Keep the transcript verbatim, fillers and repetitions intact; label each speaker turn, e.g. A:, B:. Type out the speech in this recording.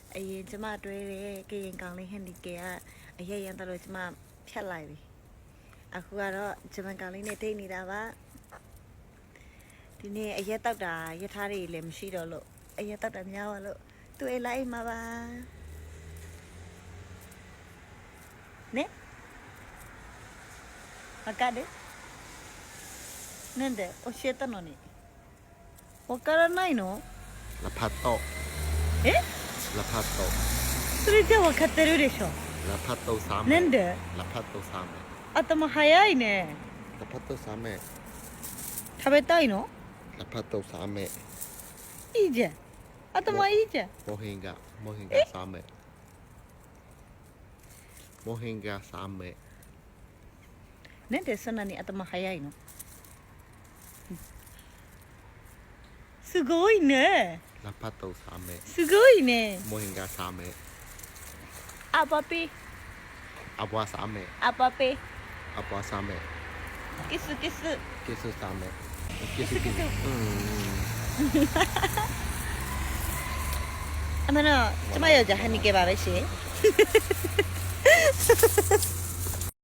A: အရင်ကျမတွဲတယ်ကရင်ကောင်လေးဟန်ဒီကေကအရေးရန်တော့ကျမဖြတ်လိုက်ပြီအခုကတော့ဂျပန်ကောင်လေးနဲ့ဒိတ်နေတာပါဒီနေ့အရက်တောက်တာရထားတွေလည်းမရှိတော့လို့အရက်တောက်တာများပါလို့သူအိမ်လိုက်မှာပါねわかるなんで教えたのにわからないの
B: ラパット
A: え
B: ラパット
A: それじゃ分かってるでしょ
B: ラパットサメ
A: なんで
B: ラパットサメ
A: 頭早いね
B: ラパットサメ
A: 食べたいの
B: ラパットサメ
A: いいじゃん頭いいじゃん
B: モヒンガモヒンガサメモヒンガサメ
A: なんでそんなに頭早いのすごいね
B: ラパットサメ
A: すごいね
B: モヒンガサメ
A: あパピ
B: アボアサメ
A: あパピ
B: アボアサメ
A: キスキス
B: キスサメキ
A: スキス
B: うん
A: အမနော်ကျမယောက်ျားဟန်နီကေပါပဲရှင်